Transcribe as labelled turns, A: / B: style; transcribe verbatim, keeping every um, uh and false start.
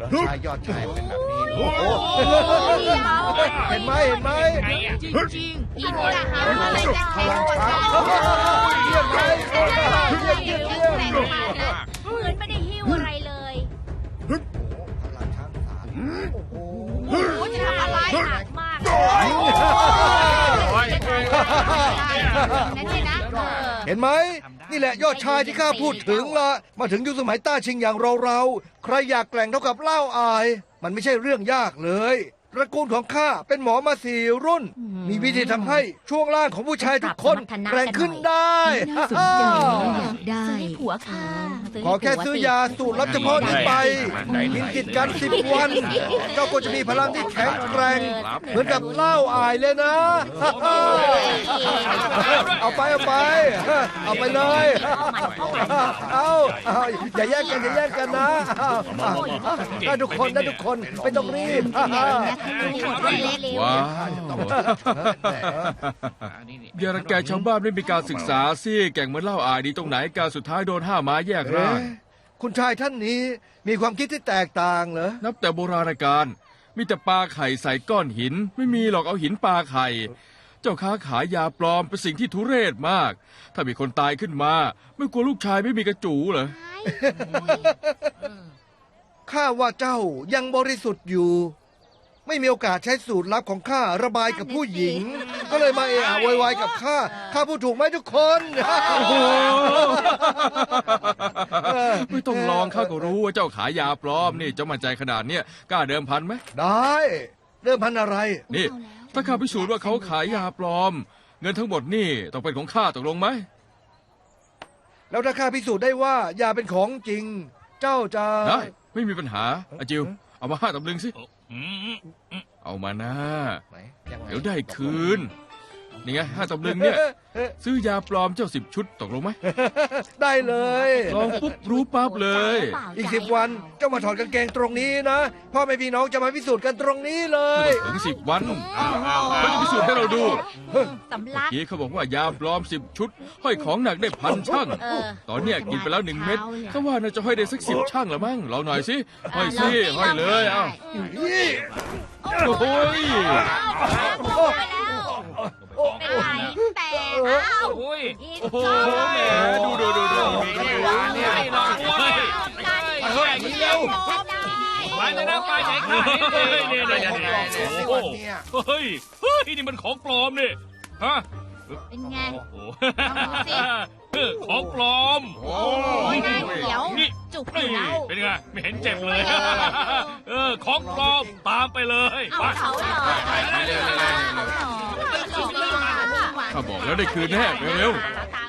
A: ชายยอดชายเป็นแบบนี้โอ้โหเห็นไหมเห็นไหม
B: จริงๆกินอาหารอะไรแจ้ง
A: พลังช้างเยี่ยมไหมเยี่ยมเยี่ยมเยี่ยม
B: เหมือนไม่ได้หิ้วอะไรเลย
A: พลังช้างสามโอ้โห
B: โอ้โหจะทำอะไรหนักมากนั่นเลยนะเออ
A: เห็นไหมนี่แหละยอดชายที่ข้าพูดถึงละมาถึงยุคสมัยต้าชิงอย่างเราเราใครอยากแกร่งเท่ากับเล่าอาย มันไม่ใช่เรื่องยากเลยตระกูลของข้าเป็นหมอมาสี่รุ่น มีวิธีทำให้ช่วงล่างของผู้ชายทุกคนแกร่งขึ้นได้
C: น่าสนใจอยากได้
B: ซื้อให้ผัวค่ะ
A: ขอแค่ซื้อยาสูตรลับเฉพาะนี้ไปกินติดกันสิบวัน เจ้าก็จะมีพลังที่แข็งแกร่งเหมือนกับเล่าอายเลยนะ เอาไปเอาไป เอาไปเลย เอาเอาอย่าแย่งกันอย่าแย่งกันนะได้ทุกคนได้ทุกคนไม่ต้องรีบ
C: ว้าว
D: อย่ารังแกชาวบ้านไม่มีการศึกษาสิแก่งเหมือนเล่าอายดีตรงไหนการสุดท้ายโดนห้าม้าแยกร่าง
A: เอ๊ะคุณชายท่านนี้มีความคิดที่แตกต่างเหรอ
D: นับแต่โบราณกาลมีแต่ปลาไข่ใส่ก้อนหิน ไม่มีหรอกเอาหินปลาไข่ เจ้าค้าขายยาปลอมเป็นสิ่งที่ทุเรศมาก ถ้ามีคนตายขึ้นมา ไม่กลัวลูกชายไม่มีกระจูเหรอ
A: ข้าว่าเจ้ายังบริสุทธิ์อยู่ ไม่มีโอกาสใช้สูตรลับของข้าระบายกับผู้หญิง ก็เลยมาเอะอะโวยวายกับข้าข้าพูดถูกไหมทุกคน
D: โอ้โห ไม่ต้องลองข้าก็รู้ว่าเจ้าขายยาปลอมนี่เจ้ามั่นใจขนาดเนี้ยกล้าเดิมพันไหม
A: ได้เริ่มพันอะไร
D: นี่ ถ้าข้าพิสูจน์ว่าเขาขายยาปลอม เงินทั้งหมดนี่ต้องเป็นของข้าตกลงไหม
A: แล้วถ้าข้าพิสูจน์ได้ว่ายาเป็นของจริง เจ้าจะ
D: ได้ไม่มีปัญหาอาจิวเอามาห้าตำลึงสิเอามานะ
A: ไหนยังไง
D: เดี๋ยวได้คืน นี่ไงห้าตำลึงเนี่ย ซื้อยาปลอมเจ้าสิบชุดตกลงไหม
A: ได้เลย
D: ลองปุ๊บรู้ปั๊บเลย
A: อีกสิบวันเจ้ามาถอดกางเกงตรงนี้นะพ่อแม่พี่น้องจะมาพิสูจน์กันตรงนี้เลย
D: ถึงสิบวันเขาจะพิสูจน์ให้เราดู
B: สำลัก
D: ทีเขาบอกว่ายาปลอมสิบชุด ห้อยของหนักได้พันช่าง
B: เออ
D: ตอนเนี้ยกินไปแล้วหนึ่งเม็ดก็ว่าน่าจะห้อยได้สักสิบช่างละมั้งลองหน่อยสิห้อยสิห้อยเลยเอ้า
A: นี่
D: โอ้ย
A: โอ้
B: เป็นไรแต่อ้าว
E: โอ้ย
B: อีก
D: โอ้โห
B: สอง
D: แหมดูดูดูดู
E: ไม่หวานเนี่ยไม่หรอกเว้ย
A: เฮ้ยเร็ว
E: หวานจะน่าไปไหนกันเฮ้ยเนี่ยเนี่ยเนี่ยโอ้โหเฮ้ยเฮ้ยนี่มันของปลอมนี่ฮะ
B: เป็นไง
E: โอ้โห
B: ลองดูสิ
E: ของปลอม
B: โอ้ยหน้าเขียว
E: นี่
B: จุกอยู่แล้ว
E: เป็นไงไม่เห็นเจ็บเลยเออของปลอมตามไปเลย
B: เอา
E: ไป
B: เขาเหรอเอาเหรอ
D: ข้าบอกแล้วได้คืนแน่เร็ว
B: ตา